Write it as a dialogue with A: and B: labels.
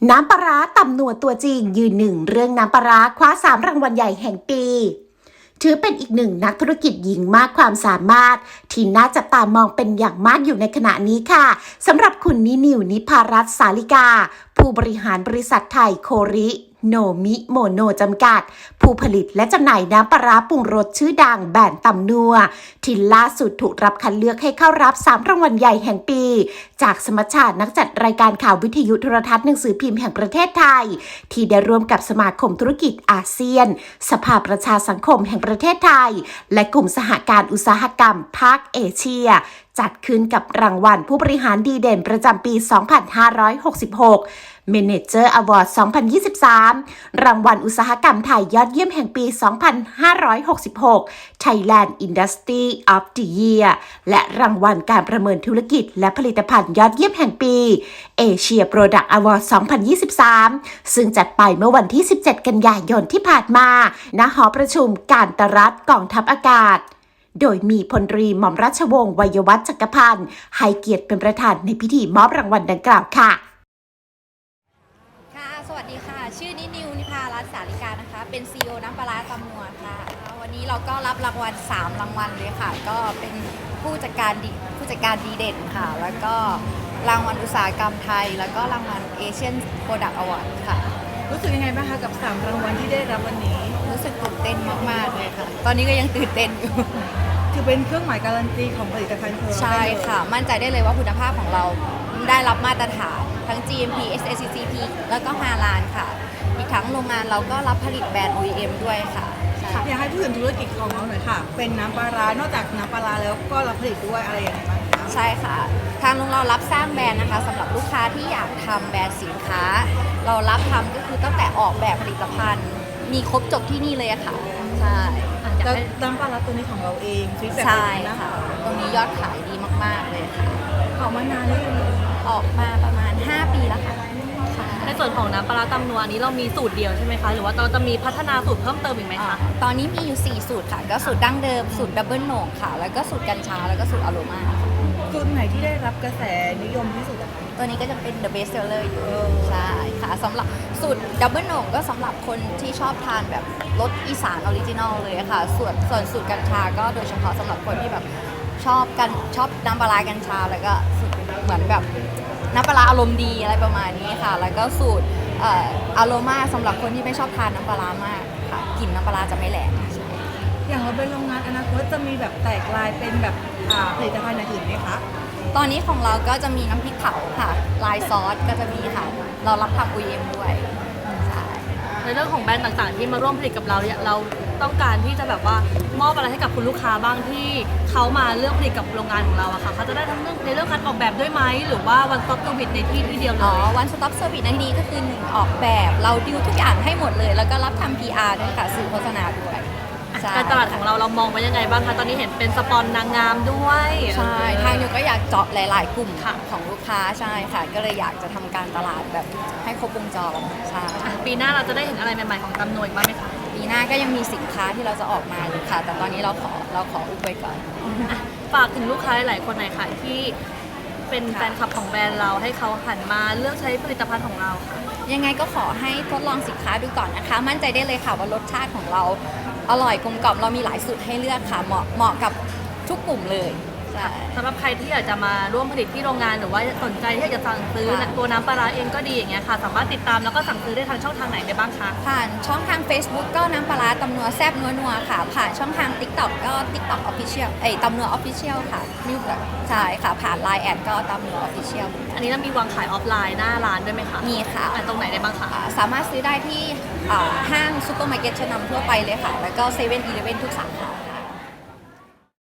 A: น้ำปลาร้าตำนัวตัวจริงยืนหนึ่งเรื่องน้ำปลาร้าคว้า3 รางวัลใหญ่แห่งปีถือเป็นอีกหนึ่งนักธุรกิจหญิงมากความสามารถที่น่าจับตามองเป็นอย่างมากอยู่ในขณะนี้ค่ะสำหรับคุณนิวนิพารัตน์สาลิกาผู้บริหารบริษัทไทยโคริโนมิโมโนจำกัดผู้ผลิตและจำหน่ายน้ำปลาร้าปรุงรสชื่อดังแบรนด์ตำนัวที่ล่าสุดถูกรับคัดเลือกให้เข้ารับ3 รางวัลใหญ่แห่งปีจากสมัชชานักจัดรายการข่าววิทยุโทรทัศน์หนังสือพิมพ์แห่งประเทศไทยที่ได้ร่วมกับสมาคมธุรกิจอาเซียนสภาประชาสังคมแห่งประเทศไทยและกลุ่มสหการอุตสาหกรรมภาคเอเชียจัดขึ้นกับรางวัลผู้บริหารดีเด่นประจำปี 2566 Manager Award 2023 รางวัลอุตสาหกรรมไทยยอดเยี่ยมแห่งปี 2566 Thailand Industry of the Year และรางวัลการประเมินธุรกิจและผลิตภัณฑ์ยอดเยี่ยมแห่งปี Asia Product Award 2023 ซึ่งจัดไปเมื่อวันที่ 17 กันยายนที่ผ่านมาณหอประชุมการตรัฐกองทัพอากาศโดยมีพลตรีหม่อมราชวงศ์วัยวัฒน์จักรพันธ์ให้เกียรติเป็นประธานในพิธีมอบรางวัลดังกล่าวค่ะ
B: สวัสดีค่ะชื่อนิวนิพารัตน์สาลิกานะคะเป็น CEO น้ำปลาร้าตำนัวค่ะวันนี้เราก็รับรางวัล3 รางวัลเลยค่ะก็เป็นผู้จัดการดีเด่นค่ะแล้วก็รางวัลอุตสาหกรรมไทยแล้วก็รางวัล Asian Product Award ค่ะ
C: รู้สึกยังไงบ้างคะกับ3 รางวัลที่ได้รับวันนี้
B: รู้สึกตื่นเต้นมากๆเลยค่ะตอนนี้ก็ยังตื่นเต้นอยู่
C: คือเป็นเครื่องหมายการันตีของผลิตภัณฑ์
B: ใช่ค่ะมั่นใจได้เลยว่าคุณภาพของเราได้รับมาตรฐานทั้ง GMP SACCP แล้วก็5 ล้านค่ะอีกทั้งโรงงานเราก็รับผลิตแบรนด์ OEM ด้วยค่ะ
C: อยากให้พูดถึงธุรกิจของเราหน่อยค่ะเป็นน้ำปลาร้านอกจากน้ำปลาร้าแล้วก็รับผลิตด้วยอะไรอย่างไรบ้างคะ
B: ใช่ค่ะทางโรงเรารับสร้างแบรนด์นะคะสำหรับลูกค้าที่อยากทำแบรนด์สินค้าเรารับทำก็คือตั้งแต่ออกแบบผลิตภัณฑ์มีครบจบที่นี่เลยค่ะใช่
C: แล้วน้ำปลาร้าตัวนี้ของเราเองฟีดแบ็ก
B: ใช่ค่ะตรงนี้ยอดขายดีมากๆเลยค่ะ
C: ออกมานานแล้ว
B: ออกมาประมาณ5 ปีแล้วค่ะ
D: ในส่วนของน้ำปลาร้าตำนัวนี้เรามีสูตรเดียวใช่ไหมคะหรือว่าเราจะมีพัฒนาสูตรเพิ่มเติมอีกไหมคะ
B: ตอนนี้มีอยู่4 สูตรค่ะก็สูตรดั้งเดิมสูตรดับเบิลโหนกค่ะแล้วก็สูตรกัญชาแล้วก็สูตรอโรมา
C: สูตรไหนที่ได้รับกระแสนิยมที่สุด
B: ตัวนี้ก็จะเป็น the best seller อยู่ใช่ค่ะสำหรับสูตรดับเบิลโหนกก็สำหรับคนที่ชอบทานแบบรสอีสานออริจินอลเลยค่ะส่วนสูตรกัญชาก็โดยเฉพาะสำหรับคนที่แบบชอบน้ำปลากัญชาแล้วก็เหมือนแบบน้ำปลาอารมณ์ดีอะไรประมาณนี้ค่ะแล้วก็สูตรอโรมาสำหรับคนที่ไม่ชอบทานน้ำปลามากค่ะกลิ่นน้ำปลาจะไม่แรง
C: อย่างเราเป็นโรงงานอนาคตจะมีแบบแตกลายเป็นแบบผลิตภัณฑ์อื่นไหมคะ
B: ตอนนี้ของเราก็จะมีน้ำพริกเผาค่ะลายซอสก็จะมีค่ะเรารับทำ OEM ด้วย
D: ในเรื่องของแบรนด์ต่างๆที่มาร่วมผลิตกับเราเนี่ยเราต้องการที่จะแบบว่ามอบอะไรให้กับคุณลูกค้าบ้างที่เขามาเลือกผลิตกับโรงงานของเราอะค่ะเขาจะได้ทั้งในเรื่องการออกแบบด้วยไหมหรือว่า one stop service ในที่เดียวเลย
B: one stop service ในที่นี้ก็คือ1ออกแบบเราดิวทุกอย่างให้หมดเลยแล้วก็รับทำ PR ด้วยค่ะสื่อโฆษณาด้วย
D: การตลาดของเรามองไว้ยังไงบ้างคะตอนนี้เห็นเป็นสปอนนางงามด้วย
B: ใช่ทางนิวก็อยากเจาะหลายๆกลุ่มของลูกค้าใช่ค่ะก็เลยอยากจะทำการตลาดแบบให้ครบวงจรใช่
D: ปีหน้าเราจะได้เห็นอะไรใหม่ๆของตำนวยบ้างไหมคะ
B: ปีหน้าก็ยังมีสินค้าที่เราจะออกมาอยู่ค่ะแต่ตอนนี้เราขออุบไว้ก่อน
D: ฝากถึงลูกค้าหลายคนหน่อยค่ะที่เป็นแฟนคลับของแบรนด์เราให้เขาหันมาเลือกใช้ผลิตภัณฑ์ของเราค่ะ
B: ยังไงก็ขอให้ทดลองสินค้าดูก่อนนะคะมั่นใจได้เลยค่ะว่ารสชาติของเราอร่อยกลมกล่อมเรามีหลายสูตรให้เลือกค่ะเหมาะกับทุกกลุ่มเลย
D: สำหรับใครที่อยากจะมาร่วมผลิตที่โรงงานหรือว่าสนใจที่อยากจะสั่งซื้อตัวน้ำปลาร้าเองก็ดีอย่างเงี้ยค่ะสามารถติดตามแล้วก็สั่งซื้อได้ทางช่องทางไหนได้บ้างคะ
B: ผ่านช่องทาง Facebook ก็น้ำปลาร้าตำนัวแซ่บนัวค่ะผ่านช่องทาง TikTok ก็ TikTok Official ตำนัว Official ค่ะใช่ค่ะผ่าน Line แอดก็ตำนัว Official
D: อันนี้เรามีวางขายออฟไลน์หน้าร้านด้วยไหมคะ
B: มีค่ะ
D: ตรงไหนได้บ้างคะ
B: สามารถซื้อได้ที่ห้างซูเปอร์มาร์เก็ตชั้นนำทั่วไปเลยค่ะแล้วก็7-11ทุกสาขา